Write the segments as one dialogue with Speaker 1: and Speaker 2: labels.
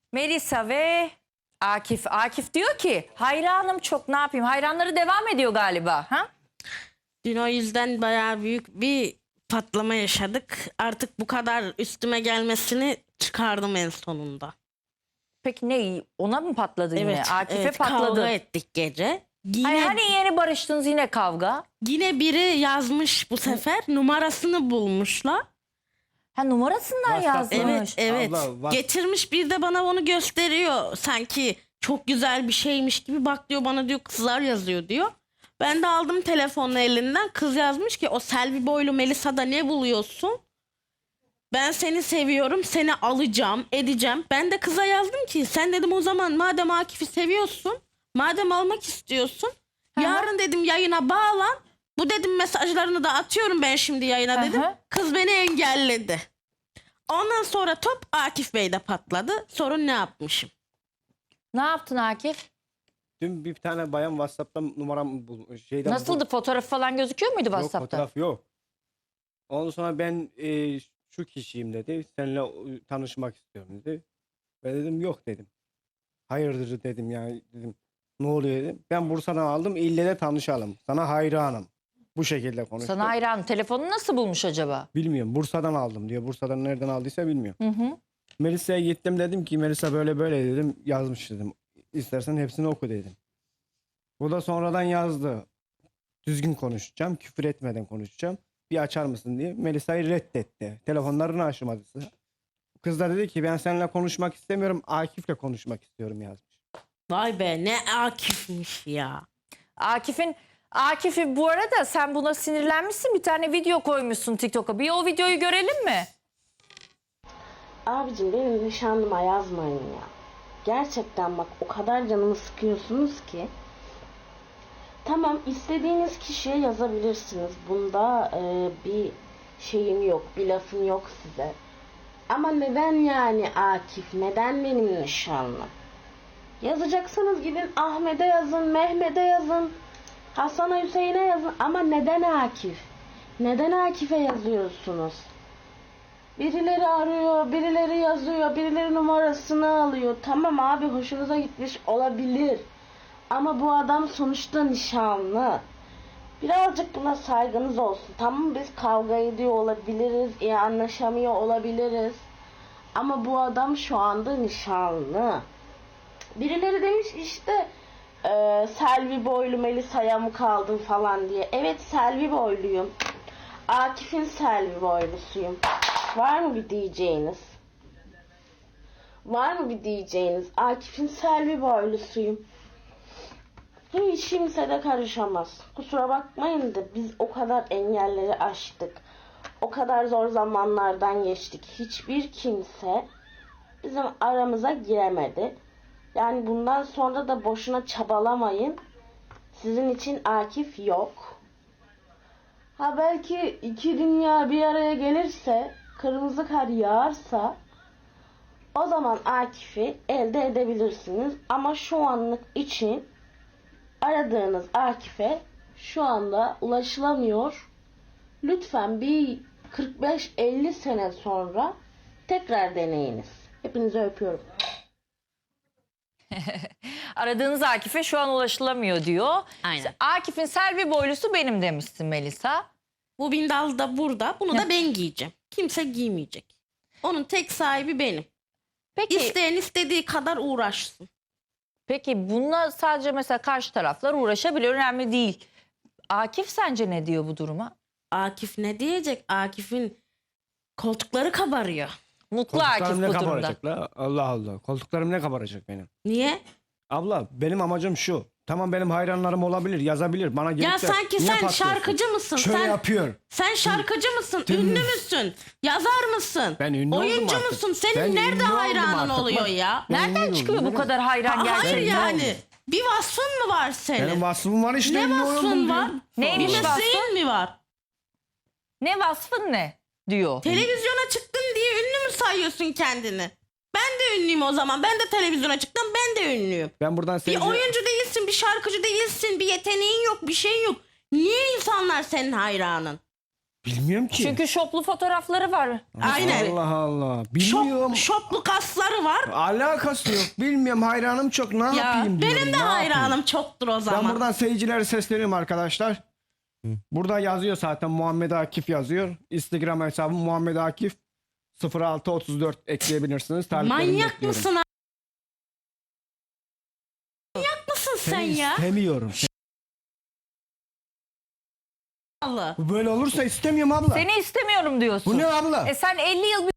Speaker 1: Melisa ve Akif. Akif diyor ki hayranım çok, ne yapayım? Hayranları devam ediyor galiba. Ha?
Speaker 2: Dün o yüzden bayağı büyük bir patlama yaşadık. Artık bu kadar üstüme gelmesini çıkardım en sonunda.
Speaker 1: Peki ne? Ona mı patladı yine?
Speaker 2: Evet,
Speaker 1: Akif'e
Speaker 2: evet,
Speaker 1: patladı.
Speaker 2: kavga ettik gece. Yine,
Speaker 1: Hayır, hani yeni barıştınız, yine kavga.
Speaker 2: yine biri yazmış bu sefer. Numarasını bulmuşlar.
Speaker 1: Ha, numarasından
Speaker 3: WhatsApp'ta.
Speaker 1: yazmış.
Speaker 2: Evet.
Speaker 3: Abla,
Speaker 2: Getirmiş, bir de bana onu gösteriyor. Sanki çok güzel bir şeymiş gibi. Bak diyor, bana diyor kızlar yazıyor diyor. Ben de aldım telefonu elinden. Kız yazmış ki o Selvi boylu Melisa'da ne buluyorsun? Ben seni seviyorum, seni alacağım, edeceğim. Ben de kıza yazdım ki sen dedim o zaman madem Akif'i seviyorsun, madem almak istiyorsun, yarın dedim yayına bağlan. Bu dedim mesajlarını da atıyorum ben şimdi yayına dedim.
Speaker 1: Hı hı.
Speaker 2: Kız beni engelledi. Ondan sonra top Akif Bey'de patladı. Sorun ne yapmışım?
Speaker 1: Ne yaptın Akif?
Speaker 3: dün bir tane bayan WhatsApp'tan numaram şeyden
Speaker 1: Nasıldı? Fotoğraf falan gözüküyor muydu
Speaker 3: Yok,
Speaker 1: WhatsApp'ta?
Speaker 3: fotoğraf yok. Ondan sonra ben şu kişiyim dedi. Seninle tanışmak istiyorum dedi. Ben dedim yok dedim. Hayırdır dedim yani dedim. Ne oluyor dedim. Ben Bursa'dan aldım, ille de tanışalım. Sana hayranım. Bu şekilde konuştum.
Speaker 1: Sana hayran. Telefonu nasıl bulmuş acaba?
Speaker 3: Bilmiyorum, Bursa'dan aldım diyor. Bursa'dan nereden aldıysa bilmiyorum.
Speaker 1: Hı hı.
Speaker 3: Melisa'ya gittim, dedim ki Melisa böyle böyle dedim. Yazmış dedim. İstersen hepsini oku dedim. Bu da sonradan yazdı. Düzgün konuşacağım, küfür etmeden konuşacağım. Bir açar mısın diye. Melisa'yı reddetti. Telefonlarını açmadı. Kız da dedi ki ben seninle konuşmak istemiyorum, Akif'le konuşmak istiyorum yazmış.
Speaker 2: Vay be, ne Akif'miş ya.
Speaker 1: Akif'i bu arada sen buna sinirlenmişsin. Bir tane video koymuşsun TikTok'a. Bir o videoyu görelim mi?
Speaker 4: Abicim benim nişanlıma yazmayın ya. Gerçekten bak o kadar canımı sıkıyorsunuz ki. Tamam, istediğiniz kişiye yazabilirsiniz. Bunda bir şeyim yok, bir lafım yok size. Ama neden yani Akif? Neden benim nişanlım? Yazacaksanız gidin Ahmet'e yazın, Mehmet'e yazın, Hasan'a, Hüseyin'e yazın. Ama neden Akif? Neden Akif'e yazıyorsunuz? Birileri arıyor, birileri yazıyor, birileri numarasını alıyor. Tamam abi, hoşunuza gitmiş olabilir. Ama bu adam sonuçta nişanlı. Birazcık buna saygınız olsun. Tamam, biz kavga ediyor olabiliriz, iyi anlaşamıyor olabiliriz. Ama bu adam şu anda nişanlı. Birileri demiş işte Selvi boylu Melisa'ya mı kaldın falan diye. Evet, Selvi boyluyum. Akif'in Selvi boylusuyum. Var mı bir diyeceğiniz? Var mı bir diyeceğiniz? Akif'in Selvi boylusuyum. Hiç kimse de karışamaz. Kusura bakmayın da biz o kadar engelleri aştık. O kadar zor zamanlardan geçtik. Hiçbir kimse bizim aramıza giremedi. Yani bundan sonra da boşuna çabalamayın. Sizin için Akif yok. Ha, belki iki dünya bir araya gelirse, kırmızı kar yağarsa o zaman Akif'i elde edebilirsiniz. Ama şu anlık için aradığınız Akif'e şu anda ulaşılamıyor. Lütfen bir 45-50 sene sonra tekrar deneyiniz. Hepinizi öpüyorum.
Speaker 1: Aradığınız Akif'e şu an ulaşılamıyor diyor.
Speaker 2: Aynen.
Speaker 1: Akif'in Selvi boylusu benim demişsin Melisa.
Speaker 2: Bu bindal da burada. Bunu da ben giyeceğim. Kimse giymeyecek. Onun tek sahibi benim.
Speaker 1: Peki,
Speaker 2: İsteyen istediği kadar uğraşsın.
Speaker 1: peki bununla sadece mesela karşı taraflar uğraşabilir, önemli değil. Akif sence ne diyor bu duruma?
Speaker 2: Akif ne diyecek? Akif'in koltukları kabarıyor.
Speaker 1: Mutlu Akif
Speaker 3: Koltuklarım
Speaker 1: bu
Speaker 3: ne
Speaker 1: durumda.
Speaker 3: kabaracak la? Allah Allah. Koltuklarım ne kabaracak benim?
Speaker 2: Niye?
Speaker 3: Abla, benim amacım şu. Tamam, benim hayranlarım olabilir, yazabilir. Bana gelip
Speaker 2: Ya
Speaker 3: de
Speaker 2: sanki
Speaker 3: niye
Speaker 2: sen
Speaker 3: patlıyorsun?
Speaker 2: şarkıcı mısın?
Speaker 3: Şöyle
Speaker 2: sen
Speaker 3: yapıyor.
Speaker 2: Sen şarkıcı mısın?
Speaker 3: Dün-
Speaker 2: Ünlü müsün? Yazar mısın?
Speaker 3: Ben ünlü oldum
Speaker 2: Oyuncu
Speaker 3: artık.
Speaker 2: musun? Senin
Speaker 3: Ben
Speaker 2: nerede
Speaker 3: ünlü oldum
Speaker 2: hayranın
Speaker 3: artık.
Speaker 2: oluyor
Speaker 3: Bak,
Speaker 2: ya?
Speaker 3: ben
Speaker 1: Nereden
Speaker 3: ünlü
Speaker 1: çıkıyor
Speaker 3: oldum.
Speaker 1: bu kadar hayran
Speaker 2: Hayır
Speaker 1: gerçekten?
Speaker 2: yani. Bir vasfın mı var senin?
Speaker 3: Benim vasfım var işte.
Speaker 2: Ne
Speaker 3: ünlü oldum
Speaker 2: vasfın
Speaker 3: diyor.
Speaker 2: var?
Speaker 1: Neymiş
Speaker 2: Bir
Speaker 1: vasfın?
Speaker 2: mesleğin mi var?
Speaker 1: Ne vasfın ne diyor.
Speaker 2: Televizyona çıktın diye ünlü mü sayıyorsun kendini? Ben de ünlüyüm o zaman. Ben de televizyona çıktım. Ben de ünlüyüm.
Speaker 3: Ben buradan
Speaker 2: Bir
Speaker 3: seyirci...
Speaker 2: oyuncu değilsin, bir şarkıcı değilsin, bir yeteneğin yok, bir şeyin yok. Niye insanlar senin hayranın?
Speaker 3: Bilmiyorum ki.
Speaker 1: Çünkü şoplu fotoğrafları var.
Speaker 2: Aynen.
Speaker 3: Allah Allah. Bilmiyorum.
Speaker 2: Şoplu kasları var.
Speaker 3: Alakası yok. Bilmiyorum. Hayranım çok. Ne
Speaker 2: Ya
Speaker 3: yapayım diyorum.
Speaker 2: benim de
Speaker 3: ne yapayım?
Speaker 2: hayranım çoktur o
Speaker 3: Ben
Speaker 2: zaman.
Speaker 3: buradan seyircilere sesleniyorum arkadaşlar. Burada yazıyor zaten Muhammed Akif yazıyor. Instagram hesabım Muhammed Akif 0634 ekleyebilirsiniz. Taliplerimi
Speaker 2: Manyak
Speaker 3: bekliyorum.
Speaker 2: mısın? Manyak mısın sen
Speaker 3: Seni
Speaker 2: ya?
Speaker 3: istemiyorum.
Speaker 2: Allah.
Speaker 3: Bu böyle olursa istemiyorum abla.
Speaker 1: Seni istemiyorum diyorsun.
Speaker 3: Bu ne abla?
Speaker 1: Sen 50 yıl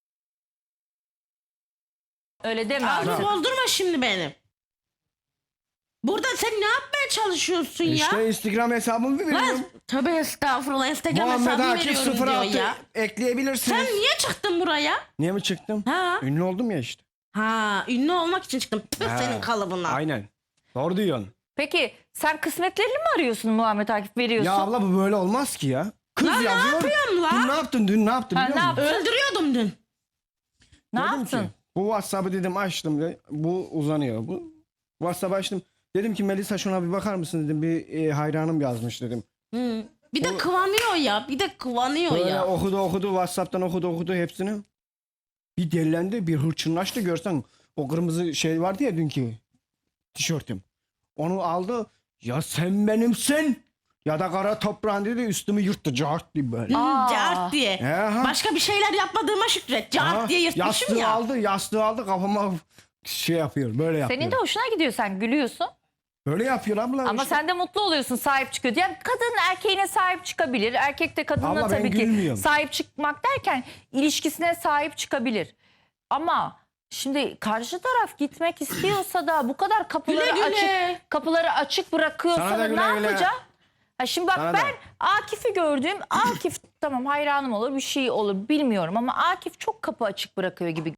Speaker 1: öyle deme
Speaker 2: Ağzını
Speaker 1: artık.
Speaker 2: bozdurma şimdi benim. Burada sen ne yapmaya çalışıyorsun ya?
Speaker 3: İşte Instagram hesabımı veriyorum.
Speaker 2: Lan tövbe estağfurullah Instagram
Speaker 3: Muhammed
Speaker 2: hesabı
Speaker 3: Akif
Speaker 2: veriyorum diyor
Speaker 3: 06
Speaker 2: ya.
Speaker 3: ekleyebilirsiniz.
Speaker 2: Sen niye çıktın buraya?
Speaker 3: Niye mi çıktım?
Speaker 2: Ha?
Speaker 3: Ünlü oldum ya işte.
Speaker 2: Ha, ünlü olmak için çıktım. Tüh
Speaker 3: Ha,
Speaker 2: senin kalıbına.
Speaker 3: Aynen. Doğru diyorsun.
Speaker 1: Peki sen kısmetlerini mi arıyorsun Muhammed Akif veriyorsun?
Speaker 3: Ya abla bu böyle olmaz ki ya. Kız
Speaker 2: Lan ne
Speaker 3: yazıyor.
Speaker 2: yapıyorum lan?
Speaker 3: Dün ne yaptın? Dün ne yaptın
Speaker 1: Ha,
Speaker 3: biliyor
Speaker 1: ne
Speaker 3: musun?
Speaker 1: yaptın?
Speaker 2: Öldürüyordum dün.
Speaker 1: Ne
Speaker 3: Dedim
Speaker 1: yaptın?
Speaker 3: ki, bu WhatsApp'ı dedim açtım. Bu uzanıyor. Bu WhatsApp'ı açtım. Dedim ki Melisa şuna bir bakar mısın dedim. Bir hayranım yazmış dedim.
Speaker 2: Hı. Bir de kıvanıyor ya. Bir de kıvanıyor
Speaker 3: Böyle
Speaker 2: ya.
Speaker 3: okudu WhatsApp'tan okudu hepsini. Bir delilendi, bir hırçınlaştı görsen. O kırmızı şey vardı ya dünkü tişörtüm. Onu aldı. Ya sen benimsin. Ya da kara toprağın dedi üstümü yırttı. Cart diye böyle.
Speaker 1: Aa.
Speaker 2: Cart diye.
Speaker 3: ha.
Speaker 2: Başka bir şeyler yapmadığıma şükret. Cart
Speaker 3: Ha,
Speaker 2: diye yırtmışım
Speaker 3: yastığı
Speaker 2: ya.
Speaker 3: aldı kafama şey yapıyor. Böyle yapıyor.
Speaker 1: Senin de hoşuna gidiyor, sen gülüyorsun.
Speaker 3: Böyle yapıyor abla.
Speaker 1: Ama
Speaker 3: işte.
Speaker 1: sen de mutlu oluyorsun, sahip çıkıyor. Yani kadın erkeğine sahip çıkabilir. Erkek de kadına
Speaker 3: Abla ben
Speaker 1: tabii ki
Speaker 3: gülmüyorum.
Speaker 1: sahip çıkmak derken ilişkisine sahip çıkabilir. Ama şimdi karşı taraf gitmek istiyorsa da bu kadar kapıları
Speaker 2: Güle güle.
Speaker 1: kapıları açık bırakıyorsa
Speaker 3: Sana da
Speaker 1: da
Speaker 3: güle
Speaker 1: ne
Speaker 3: güle.
Speaker 1: yapacak? Ha şimdi bak
Speaker 3: Sana da.
Speaker 1: ben Akif'i gördüğüm Akif tamam hayranım olur, bir şey olur bilmiyorum ama Akif çok kapı açık bırakıyor gibi.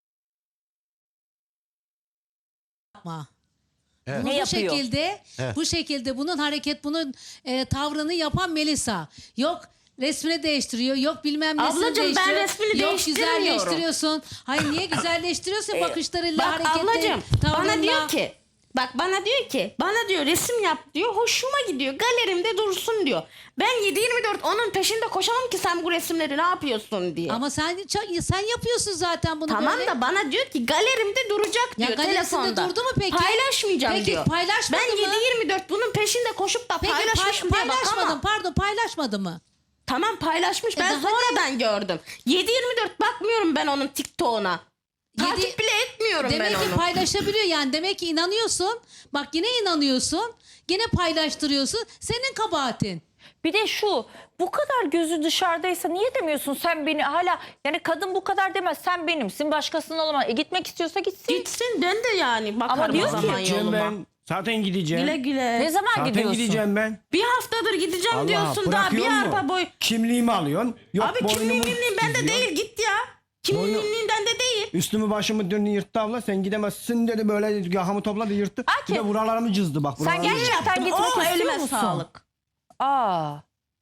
Speaker 5: yapma.
Speaker 6: Evet.
Speaker 5: Bunu
Speaker 1: Ne
Speaker 5: bu
Speaker 1: yapıyor?
Speaker 5: şekilde,
Speaker 6: Evet.
Speaker 5: bu şekilde bunun tavrını yapan Melisa. Yok resmini değiştiriyor, yok bilmem nesini
Speaker 2: Ablacığım, ben
Speaker 5: değiştiriyor.
Speaker 2: resmini
Speaker 5: yok
Speaker 2: değiştirmiyorum.
Speaker 5: güzelleştiriyorsun. Hayır niye güzelleştiriyorsun bakışlarıyla,
Speaker 2: Bak
Speaker 5: hareketleri,
Speaker 2: ablacığım
Speaker 5: tavrınla.
Speaker 2: bana diyor ki resim yap diyor, hoşuma gidiyor, galerimde dursun diyor. Ben 7/24 onun peşinde koşamam ki sen bu resimleri ne yapıyorsun diye.
Speaker 5: Ama sen yapıyorsun zaten bunu
Speaker 2: Tamam
Speaker 5: böyle.
Speaker 2: da bana diyor ki galerimde duracak
Speaker 5: Ya
Speaker 2: diyor
Speaker 5: galerisinde
Speaker 2: telefonda.
Speaker 5: durdu mu peki?
Speaker 2: Paylaşmayacağım
Speaker 5: Peki,
Speaker 2: diyor.
Speaker 5: paylaşmadı
Speaker 2: Ben
Speaker 5: mı?
Speaker 2: 7/24 bunun peşinde koşup da
Speaker 5: Peki
Speaker 2: paylaşmışım diye
Speaker 5: paylaşmadım,
Speaker 2: bakamam.
Speaker 5: paylaşmadı mı?
Speaker 2: Tamam paylaşmış, ben
Speaker 5: daha ne?
Speaker 2: sonradan gördüm. 7/24 bakmıyorum ben onun TikTok'una. Takip
Speaker 5: Yedi-
Speaker 2: bile etmiyorum
Speaker 5: Demek
Speaker 2: ben
Speaker 5: ki
Speaker 2: onu.
Speaker 5: paylaşabiliyor yani. Demek ki inanıyorsun. Bak yine inanıyorsun. Yine paylaştırıyorsun. Senin kabahatin.
Speaker 1: Bir de şu, bu kadar gözü dışarıdaysa niye demiyorsun sen beni hala, yani kadın bu kadar demez, sen benimsin başkasının olamaz. Gitmek istiyorsa gitsin.
Speaker 2: Gitsin, ben de yani bakarım
Speaker 1: diyor
Speaker 2: o
Speaker 1: ki-
Speaker 2: zaman
Speaker 3: Gideceğim
Speaker 2: yoluma.
Speaker 3: ben. Zaten gideceğim.
Speaker 2: Güle güle.
Speaker 1: Ne zaman
Speaker 3: Zaten
Speaker 1: gidiyorsun?
Speaker 3: gideceğim ben.
Speaker 2: Bir haftadır gideceğim
Speaker 3: Allah,
Speaker 2: diyorsun daha bir
Speaker 3: bırakıyor mu?
Speaker 2: arpa boy.
Speaker 3: Kimliğimi alıyorsun. Yok
Speaker 2: Abi kimliğim
Speaker 3: boynumu
Speaker 2: mimliğim bende
Speaker 3: çiziyor.
Speaker 2: değil, git ya. Kimliğimden de değil.
Speaker 3: Üstümü başımı dün yırttı abla. Sen gidemezsin dedi böyle yakamı topladı yırttı.
Speaker 1: Akif,
Speaker 3: Bir de buralarımı cızdı bak.
Speaker 1: Sen
Speaker 3: buralarımı cızdı.
Speaker 1: gerçekten gitmek
Speaker 2: Oh,
Speaker 1: istiyor
Speaker 2: elime
Speaker 1: musun?
Speaker 2: sağlık.
Speaker 1: Aa.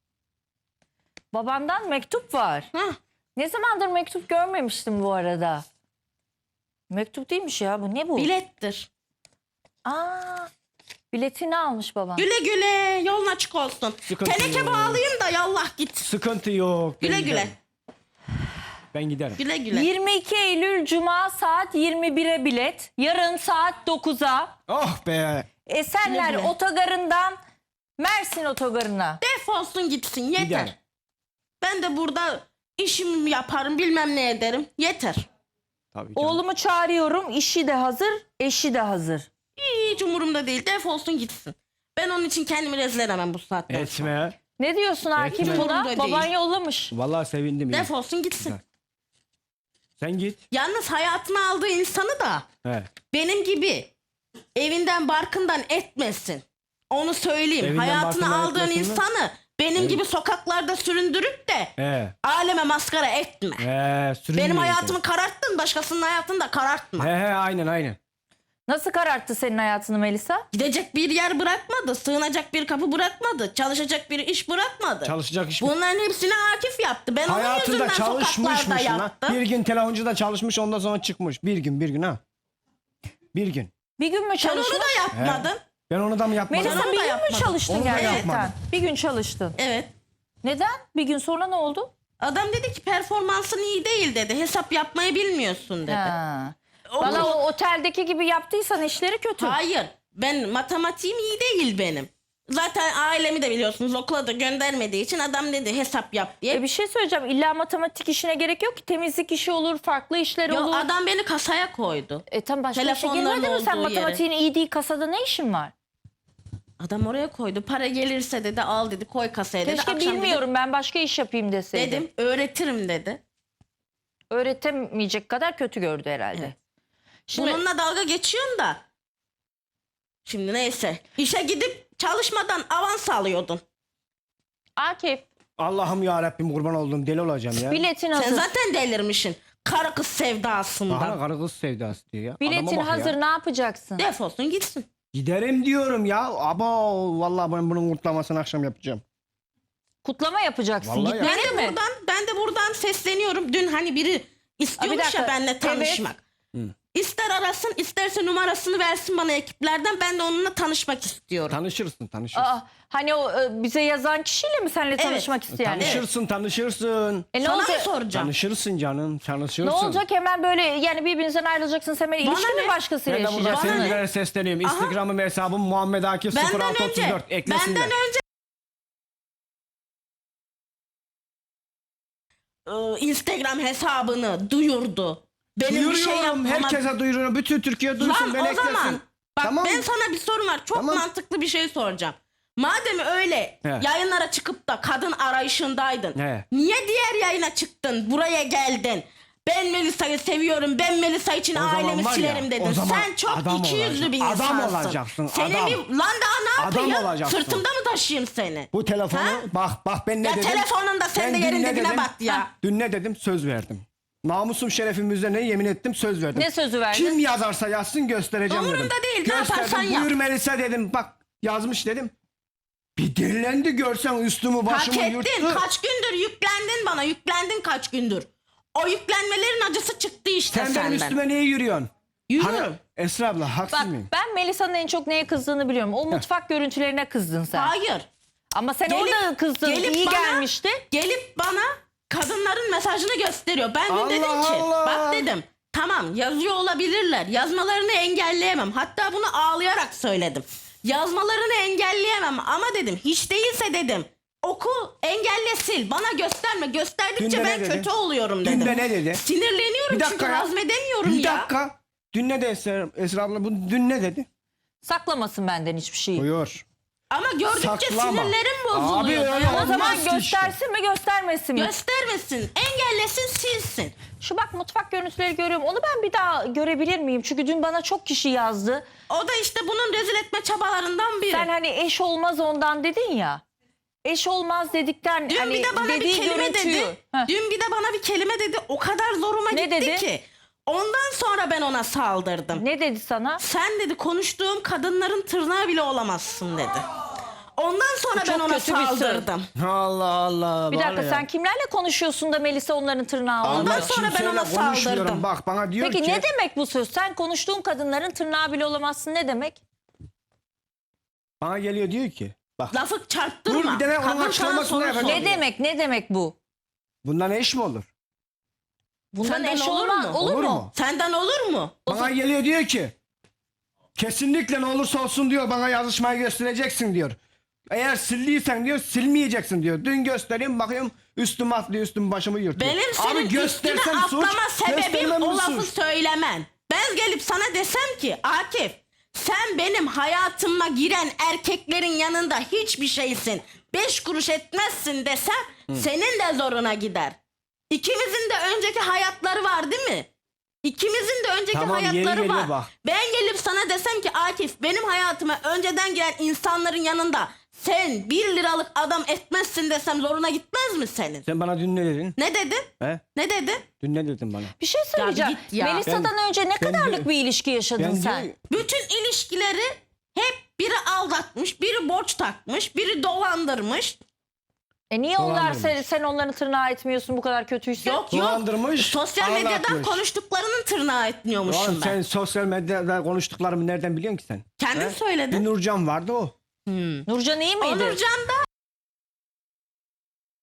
Speaker 1: Babandan mektup var.
Speaker 2: Hah.
Speaker 1: Ne zamandır mektup görmemiştim bu arada. Mektup değilmiş ya bu, ne bu?
Speaker 2: Bilettir.
Speaker 1: Aa. Biletini almış baban.
Speaker 2: Güle güle, yolun açık olsun.
Speaker 3: Sıkıntı
Speaker 2: Teneke
Speaker 3: yok.
Speaker 2: bağlayayım da yallah git.
Speaker 3: Sıkıntı yok. Ben
Speaker 2: Güle güle.
Speaker 3: giderim. Ben giderim.
Speaker 2: Güle güle.
Speaker 1: 22 Eylül Cuma saat 21'e bilet. Yarın saat 9'a.
Speaker 3: Oh be.
Speaker 1: Esenler
Speaker 2: Güle güle.
Speaker 1: Otogarı'ndan Mersin Otogarı'na.
Speaker 2: Defolsun gitsin, yeter.
Speaker 3: Giderim.
Speaker 2: Ben de burada işimi yaparım, bilmem ne ederim. Yeter.
Speaker 3: Tabii canım.
Speaker 1: Oğlumu çağırıyorum. İşi de hazır, eşi de hazır.
Speaker 2: Hiç umurumda değil, defolsun gitsin. Ben onun için kendimi rezil edemem bu saatten sonra.
Speaker 3: Etme.
Speaker 1: Ne diyorsun Akif
Speaker 3: Etme.
Speaker 1: buna?
Speaker 2: Umurumda
Speaker 1: Baban
Speaker 2: değil.
Speaker 1: yollamış.
Speaker 3: Vallahi sevindim. ya.
Speaker 2: Defolsun gitsin.
Speaker 3: Güzel. Sen git.
Speaker 2: Yalnız hayatına aldığı insanı da
Speaker 3: He.
Speaker 2: benim gibi evinden barkından etmesin. Onu söyleyeyim.
Speaker 3: Evinden
Speaker 2: Hayatına
Speaker 3: barkından
Speaker 2: aldığın
Speaker 3: etmesin mi?
Speaker 2: insanı benim gibi sokaklarda süründürüp de
Speaker 3: He.
Speaker 2: aleme maskara etme.
Speaker 3: Sürünmüyor
Speaker 2: Benim
Speaker 3: sen.
Speaker 2: hayatımı kararttın, başkasının hayatını da karartma.
Speaker 3: He aynen.
Speaker 1: Nasıl kararttı senin hayatını Melisa?
Speaker 2: Gidecek bir yer bırakmadı, sığınacak bir kapı bırakmadı, çalışacak bir iş bırakmadı.
Speaker 3: Çalışacak iş.
Speaker 2: Bunların hepsini Akif yaptı. Ben onun
Speaker 3: Hayatında
Speaker 2: yüzünden sokaklarda
Speaker 3: çalışmışmış lan.
Speaker 2: yattım.
Speaker 3: Bir gün telefoncuda çalışmış ondan sonra çıkmış. Bir gün ha. Bir gün.
Speaker 1: Bir gün mü
Speaker 2: Sen onu
Speaker 1: çalıştın?
Speaker 2: da yapmadın.
Speaker 3: Ben onu da mı yapmadım?
Speaker 1: Melisa
Speaker 2: Onu
Speaker 1: bir
Speaker 2: da
Speaker 1: gün mü
Speaker 2: yapmadım.
Speaker 1: çalıştın
Speaker 3: Onu da
Speaker 1: gerçekten?
Speaker 3: yapmadım.
Speaker 1: Bir gün çalıştın.
Speaker 2: Evet.
Speaker 1: Neden? Bir gün sonra ne oldu?
Speaker 2: Adam dedi ki performansın iyi değil dedi. Hesap yapmayı bilmiyorsun dedi.
Speaker 1: Ha.
Speaker 2: O-
Speaker 1: Valla o oteldeki gibi yaptıysan işleri kötü.
Speaker 2: Hayır. Ben matematiğim iyi değil benim. Zaten ailemi de biliyorsunuz okula da göndermediği için adam dedi hesap yap diye.
Speaker 1: Bir şey söyleyeceğim. İlla matematik işine gerek yok ki. Temizlik işi olur, farklı işler
Speaker 2: Yok,
Speaker 1: olur.
Speaker 2: adam beni kasaya koydu.
Speaker 1: Tam başka işe
Speaker 2: Telefonların
Speaker 1: girmedin mi sen?
Speaker 2: olduğu yere.
Speaker 1: Matematiğin iyi değil, kasada ne işin var?
Speaker 2: Adam oraya koydu. Para gelirse dedi al dedi koy kasaya dedi.
Speaker 1: Keşke
Speaker 2: Akşam
Speaker 1: bilmiyorum ben başka iş yapayım deseydim.
Speaker 2: Dedim öğretirim dedi.
Speaker 1: Öğretemeyecek kadar kötü gördü herhalde.
Speaker 2: Evet.
Speaker 1: Şimdi
Speaker 2: Bununla dalga geçiyorsun da. Şimdi neyse. İşe gidip çalışmadan avans alıyordun.
Speaker 1: Akif
Speaker 3: Allah'ım ya Rabbim kurban olduğum deli olacağım ya.
Speaker 1: biletin
Speaker 2: Sen
Speaker 1: hazır.
Speaker 2: zaten delirmişsin. Karı kız sevdasından.
Speaker 3: Bana karı kız sevdası diyor ya.
Speaker 1: Biletin
Speaker 3: Adama bak
Speaker 1: hazır
Speaker 3: ya.
Speaker 1: ne yapacaksın?
Speaker 2: Defolsun gitsin.
Speaker 3: Giderim diyorum ya. Aba vallahi ben bunun kurtlamasını akşam yapacağım.
Speaker 1: Kutlama yapacaksın.
Speaker 3: Vallahi ya.
Speaker 1: Gitmeli mi?
Speaker 2: Ben de buradan sesleniyorum. Dün hani biri istiyormuş
Speaker 1: dakika.
Speaker 2: ya benimle
Speaker 1: Evet.
Speaker 2: tanışmak. İster arasın isterse numarasını versin bana ekiplerden. Ben de onunla tanışmak istiyorum.
Speaker 3: Tanışırsın.
Speaker 1: Hani o bize yazan kişiyle mi seninle tanışmak isteyen?
Speaker 3: Tanışırsın.
Speaker 1: Ne
Speaker 2: Sana mı
Speaker 1: olacak?
Speaker 2: soracağım?
Speaker 3: Tanışırsın canım. Tanışırsın.
Speaker 1: Ne olacak hemen böyle yani birbirinizden ayrılacaksınız hemen
Speaker 2: Bana
Speaker 1: ilişki mi
Speaker 2: ne?
Speaker 1: başkasıyla
Speaker 3: Ben de burada
Speaker 1: yaşayacaksınız?
Speaker 3: sevgililere sesleniyorum.
Speaker 2: Aha.
Speaker 3: Instagram'ım hesabım Muhammed Akif
Speaker 2: Benden
Speaker 3: 0634
Speaker 2: önce,
Speaker 3: eklesinler.
Speaker 2: benden önce Instagram hesabını duyurdu. Benim bir şey
Speaker 3: Duyuruyorum.
Speaker 2: yapmama...
Speaker 3: Herkese duyuruyorum. Bütün Türkiye duysun.
Speaker 2: Lan
Speaker 3: Beni
Speaker 2: o zaman
Speaker 3: eklesin.
Speaker 2: bak
Speaker 3: Tamam.
Speaker 2: ben sana bir sorum var. Çok
Speaker 3: Tamam.
Speaker 2: mantıklı bir şey soracağım. Madem öyle
Speaker 3: He.
Speaker 2: yayınlara çıkıp da kadın arayışındaydın.
Speaker 3: He.
Speaker 2: Niye diğer yayına çıktın? Buraya geldin. Ben Melisa'yı seviyorum. Ben Melisa için
Speaker 3: O zaman
Speaker 2: ailemi
Speaker 3: var ya,
Speaker 2: silerim dedin.
Speaker 3: o zaman
Speaker 2: Sen çok
Speaker 3: adam
Speaker 2: ikiyüzlü bir
Speaker 3: olacaksın.
Speaker 2: insansın.
Speaker 3: Adam olacaksın,
Speaker 2: Seni
Speaker 3: adam.
Speaker 2: lan daha ne
Speaker 3: Adam
Speaker 2: yapayım?
Speaker 3: olacaksın.
Speaker 2: Sırtımda mı taşıyayım seni?
Speaker 3: Bu telefonu
Speaker 2: Ha?
Speaker 3: bak ben ne
Speaker 2: Ya
Speaker 3: dedim.
Speaker 2: telefonun da sen de
Speaker 3: Ben
Speaker 2: yerin
Speaker 3: dün ne
Speaker 2: dibine
Speaker 3: dedim?
Speaker 2: bat ya.
Speaker 3: Dün ne dedim? Söz verdim. Namusum şerefim üzerine yemin ettim söz verdim.
Speaker 1: Ne sözü verdin?
Speaker 3: Kim yazarsa yazsın göstereceğim dedim.
Speaker 2: Umurumda değil, ne yaparsan
Speaker 3: Gösterdim.
Speaker 2: yap.
Speaker 3: Buyur Melisa dedim. Bak yazmış dedim. Bir delilendi görsen üstümü
Speaker 2: Hak
Speaker 3: başımı
Speaker 2: ettin.
Speaker 3: yırttı.
Speaker 2: Kaç gündür yüklendin bana. Yüklendin kaç gündür. O yüklenmelerin acısı çıktı işte
Speaker 3: Sen
Speaker 2: senden.
Speaker 3: benim üstüme niye yürüyorsun?
Speaker 2: Yürüyorum.
Speaker 3: Hani, Esra abla haksız
Speaker 1: Bak
Speaker 3: mıyım?
Speaker 1: ben Melisa'nın en çok neye kızdığını biliyorum. O mutfak görüntülerine kızdın sen.
Speaker 2: Hayır.
Speaker 1: Ama sen
Speaker 2: Gelip-
Speaker 1: orada kızdın.
Speaker 2: gelip
Speaker 1: İyi
Speaker 2: bana-
Speaker 1: gelmişti.
Speaker 2: Gelip bana kadınların mesajını gösteriyor. Ben dün
Speaker 3: Allah
Speaker 2: dedim ki
Speaker 3: Allah.
Speaker 2: bak dedim tamam yazıyor olabilirler. Yazmalarını engelleyemem. Hatta bunu ağlayarak söyledim. Yazmalarını engelleyemem ama dedim hiç değilse dedim oku engelle sil bana gösterme.
Speaker 3: Dün
Speaker 2: Gösterdikçe
Speaker 3: de ne
Speaker 2: ben
Speaker 3: dedi?
Speaker 2: kötü oluyorum
Speaker 3: Dün
Speaker 2: dedim.
Speaker 3: de ne dedi?
Speaker 2: Sinirleniyorum
Speaker 3: Bir dakika
Speaker 2: çünkü
Speaker 3: ya.
Speaker 2: hazmedemiyorum
Speaker 3: Bir
Speaker 2: ya.
Speaker 3: dakika. Dün ne dedi Esra abla? Dün ne dedi?
Speaker 1: Saklamasın benden hiçbir şeyi.
Speaker 3: Buyur.
Speaker 2: Ama gördükçe
Speaker 3: Saklama.
Speaker 2: sinirlerim
Speaker 3: Abi
Speaker 2: bozuluyor.
Speaker 3: öyle
Speaker 1: O zaman
Speaker 3: olmaz ki
Speaker 1: göstersin mi göstermesin mi?
Speaker 2: Göstermesin, engellesin, silsin.
Speaker 1: Şu bak mutfak görüntüleri görüyorum. Onu ben bir daha görebilir miyim? Çünkü dün bana çok kişi yazdı.
Speaker 2: O da işte bunun rezil etme çabalarından biri.
Speaker 1: Sen hani eş olmaz ondan dedin ya. Eş olmaz dedikten
Speaker 2: Dün
Speaker 1: hani
Speaker 2: bir de bana bir
Speaker 1: dediği
Speaker 2: kelime
Speaker 1: görüntüyü.
Speaker 2: dedi.
Speaker 1: Heh.
Speaker 2: Dün bir de bana bir kelime dedi. O kadar zoruma
Speaker 1: Ne
Speaker 2: gitti
Speaker 1: dedi?
Speaker 2: ki. Ondan sonra ben ona saldırdım.
Speaker 1: Ne dedi sana?
Speaker 2: Sen dedi konuştuğum kadınların tırnağı bile olamazsın dedi. Ondan sonra
Speaker 1: Bu
Speaker 2: ben
Speaker 1: çok
Speaker 2: ona
Speaker 1: kötü bir söz.
Speaker 2: saldırdım.
Speaker 3: Allah Allah.
Speaker 1: Bir
Speaker 3: var
Speaker 1: dakika
Speaker 3: ya.
Speaker 1: sen kimlerle konuşuyorsun da Melisa onların tırnağı
Speaker 3: Allah
Speaker 1: oluyor?
Speaker 2: sonra ben
Speaker 3: kimseyle
Speaker 2: ona
Speaker 3: konuşmuyorum.
Speaker 2: saldırdım.
Speaker 3: Bak bana diyor
Speaker 1: Peki
Speaker 3: ki.
Speaker 1: ne demek bu söz? Sen konuştuğun kadınların tırnağı bile olamazsın ne demek?
Speaker 3: Bana geliyor diyor ki. Bak
Speaker 2: Lafı çarptırma.
Speaker 3: Dur, bir de onun
Speaker 2: Kadın sana
Speaker 3: açıklamasını
Speaker 2: soru
Speaker 3: yapacağım.
Speaker 2: soruyor.
Speaker 1: Ne demek bu?
Speaker 3: bundan eş mi olur?
Speaker 1: Bundan
Speaker 2: Senden
Speaker 1: eş
Speaker 2: olur
Speaker 1: olmaz.
Speaker 2: mu?
Speaker 1: Olur
Speaker 3: Olur
Speaker 1: mu?
Speaker 3: mu?
Speaker 2: Senden olur mu?
Speaker 3: Bana geliyor diyor ki. Kesinlikle ne olursa olsun diyor bana yazışmayı göstereceksin diyor. Eğer sildiysen diyor silmeyeceksin diyor. Dün göstereyim bakayım üstüm atlıyor üstüm başımı yırtıyor.
Speaker 2: Benim senin üstüne atlama sebebim o lafı söylemen. Ben gelip sana desem ki Akif sen benim hayatıma giren erkeklerin yanında hiçbir şeysin. 5 kuruş etmezsin desem senin de zoruna gider. İkimizin de önceki hayatları var değil mi? İkimizin de önceki
Speaker 3: Tamam, yeri
Speaker 2: hayatları
Speaker 3: geliyor
Speaker 2: var.
Speaker 3: bak.
Speaker 2: Ben gelip sana desem ki Akif benim hayatıma önceden giren insanların yanında sen 1 liralık adam etmezsin desem zoruna gitmez mi senin?
Speaker 3: Sen bana dün ne dedin?
Speaker 2: Ne dedin?
Speaker 3: He?
Speaker 2: Ne dedin?
Speaker 3: Dün ne dedin bana?
Speaker 1: Bir şey söyleyeceğim.
Speaker 2: git ya.
Speaker 1: Melisa'dan önce ne
Speaker 3: ben
Speaker 1: kadarlık
Speaker 3: de-
Speaker 1: bir ilişki yaşadın
Speaker 3: Ben
Speaker 1: sen?
Speaker 3: diyor-
Speaker 2: Bütün ilişkileri hep biri aldatmış, biri borç takmış, biri dolandırmış.
Speaker 1: Niye onlar
Speaker 3: Dolandırmış.
Speaker 1: sen onların tırnağı etmiyorsun bu kadar kötüyse?
Speaker 2: Yok
Speaker 3: Dolandırmış,
Speaker 2: Sosyal medyadan
Speaker 3: aldatmış.
Speaker 2: konuştuklarının tırnağı etmiyormuşum
Speaker 3: Oğlum
Speaker 2: ben.
Speaker 3: sen sosyal medyada konuştuklarımı nereden biliyorsun ki sen?
Speaker 2: Kendin
Speaker 3: He?
Speaker 2: söyledin.
Speaker 3: Bir Nurcan vardı o.
Speaker 1: Nurcan iyi miydi?
Speaker 2: Onurcan da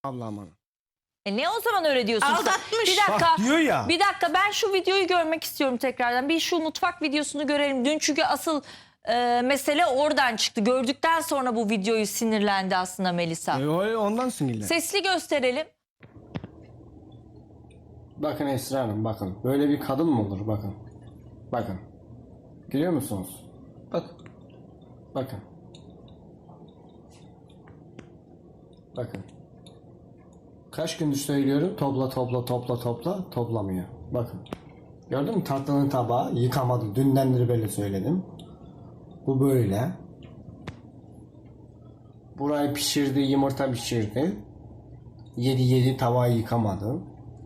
Speaker 3: Ablam bana.
Speaker 1: Ne o zaman öyle diyorsun?
Speaker 2: Aldatmış.
Speaker 1: Bir dakika.
Speaker 3: Bak diyor ya.
Speaker 1: Bir dakika, ben şu videoyu görmek istiyorum tekrardan. Bir şu mutfak videosunu görelim. Dün çünkü asıl mesele oradan çıktı. Gördükten sonra bu videoyu sinirlendi aslında Melisa.
Speaker 3: Ondan sinirlen.
Speaker 1: Sesli gösterelim.
Speaker 3: Bakın Esra Hanım, bakın. Böyle bir kadın mı olur? Bakın. Bakın. Görüyor musunuz? Bak. Bakın. Bakın. Kaç gündür söylüyorum, toplamıyor. Bakın. Gördün mü, tatlının tabağı yıkamadım. Dündendir böyle söyledim. Bu böyle. Burayı pişirdi, yumurta pişirdi. Yedi tavağı yıkamadı.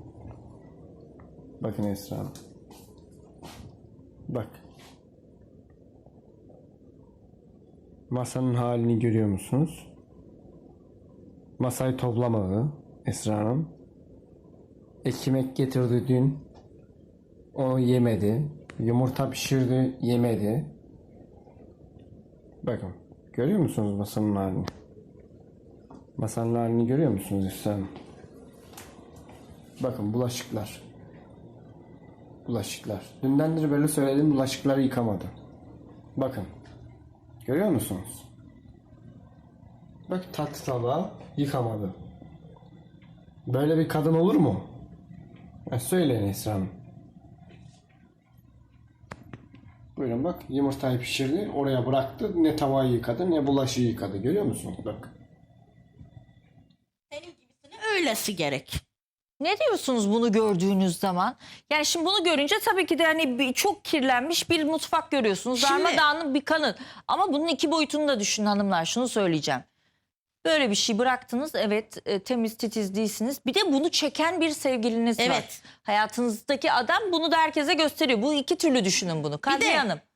Speaker 3: Bakın Esra Hanım. Bak. Masanın halini görüyor musunuz? Masayı toplamadı Esra Hanım. Ekmek getirdi dün. Onu yemedi. Yumurta pişirdi, yemedi. Bakın. Görüyor musunuz masanın halini? Masanın halini görüyor musunuz Esra Hanım? Bakın bulaşıklar. Bulaşıklar. Dündendir böyle söyledim, bulaşıkları yıkamadı. Bakın. Görüyor musunuz? Bak, tatlı tabağı yıkamadı. Böyle bir kadın olur mu? Söyleyin Esra Hanım. Buyurun bak, yumurtayı pişirdi, oraya bıraktı. Ne tavayı yıkadı ne bulaşığı yıkadı. Görüyor musunuz? Bak.
Speaker 2: Senin gibisine öylesi gerek.
Speaker 1: Ne diyorsunuz bunu gördüğünüz zaman? Yani şimdi bunu görünce tabii ki de hani çok kirlenmiş bir mutfak görüyorsunuz.
Speaker 2: Şimdi-
Speaker 1: Darmadağınık bir kanın. Ama bunun iki boyutunu da düşünün hanımlar. Şunu söyleyeceğim. Böyle bir şey bıraktınız. Evet, temiz titiz değilsiniz. Bir de bunu çeken bir sevgiliniz var.
Speaker 2: Evet.
Speaker 1: Hayatınızdaki adam bunu da herkese gösteriyor. Bu iki türlü düşünün bunu. Kadriye
Speaker 2: de-
Speaker 1: Hanım.